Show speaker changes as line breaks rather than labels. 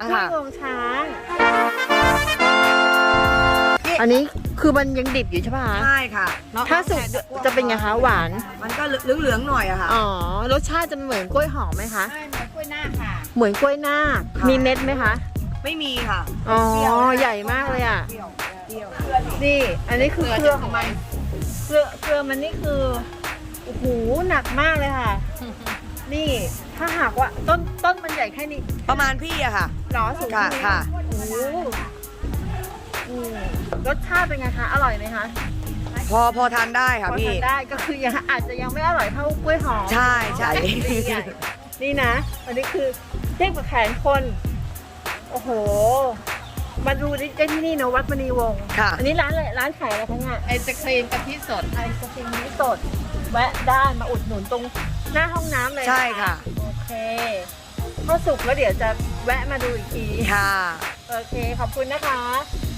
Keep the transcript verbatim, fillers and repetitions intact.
กล้วยงวงช้างอันนี้คือมันยังดิบอยู่ใช่ป่ะคะ
ใช่ค่ะ
ถ้าสุกจะเป็นไงคะหวาน
มันก็เหลืองๆหน่อยอะค่ะ
อ๋อรสชาติจะเหมือนกล้วยหอมไหมคะ
ใช่เหมือนกล้วยหน้าค่ะ
เหมือนกล้วยนาคมีเม็ดไหมคะ
ไม่มีค่ะ
อ๋อใหญ่มากเลยอ่ะ
เปรี้ยวเปรี้ยว
นี่อันนี้คือเครือของมันเครือเครือมันนี่คือโอ้โหหนักมากเลยค่ะ นี่ถ้าหากว่าต้นต้นมันใหญ่แค่นี้
ประมาณพี่อะค่ะ
หรอสูง
ค่ะ
แนี้
ค่ะ
โอ้โหอืมรสชาติเป็นไงคะ อร่อยไหมคะ
พอพอทานได้ค่ะ
พอ
พี่
ทานได้ก็คือยังอาจจะยังไม่อร่อยเท่ากล้วยหอม
ใช่ใช่
นี่นะ อันนี้คือเทียบกับแขนคน โอ้โห มาดูได้ที่นี่นะวัดมณีวงศ์
ค่ะ
อันนี้ร้านอะไรร้านขายอะไรคะเนี่ย
ไอศครีมกะทิสด
ไอศครีมนี้สด แวะได้มาอุดหนุนตรงหน้าห้องน้ำเลยน
ใช่ค่ะ
โอเคพอสุกแล้วเดี๋ยวจะแวะมาดูอีกที
ค่ะ
โอเค ขอบคุณนะคะ